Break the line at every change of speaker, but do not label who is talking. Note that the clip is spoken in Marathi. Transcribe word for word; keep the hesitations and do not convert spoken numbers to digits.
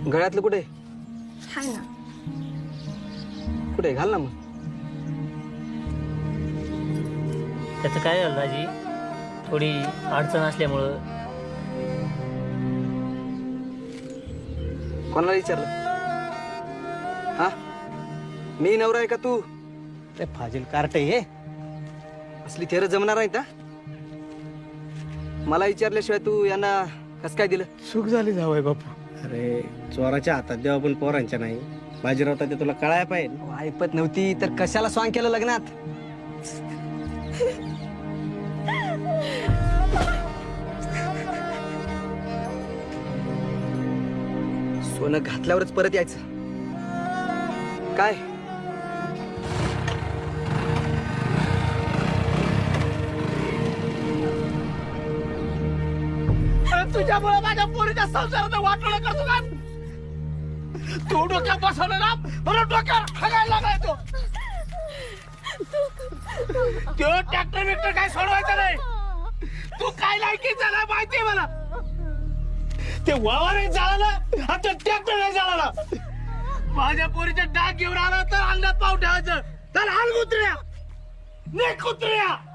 गळ्यातलं कुठे
हाय ना.
कुठे घाल ना मग.
त्याचं काय झालं दाजी, थोडी अडचण असल्यामुळं.
कोणाला विचारलं? हा, मी नवरा आहे का तू?
ते फाजील कार्ट हे
असली थेर जमणार नाही का? मला विचारल्याशिवाय तू यांना कस काय दिलं?
चूक झाली जावय बापू. अरे चोराच्या हातात देवा पण पोरांच्या नाही. बाजीराव ते तुला कळायला पाहिजे.
ऐपत नव्हती तर कशाला स्वांग केलं लग्नात? सोनं घातल्यावरच परत यायचं काय?
तुझ्यामुळे माझ्या पोरीच्या संसारात वाटोळं करतो का तू? डोक्यात बसवलं ना बरं, डोक्यावर हागायला लागलाय तो. तो ट्रॅक्टर बिक्टर काय सोडवायचं नाही. तू काय लायकी झाला माहितीये मला. ते वावरही झालं ना, आता ट्रॅक्टर नाही झाला. माझ्या पोरीचे डाग घेऊन आला तर अंगात पाव ठेवायचं. तर हाल कुत्र्या, ने कुत्र्या.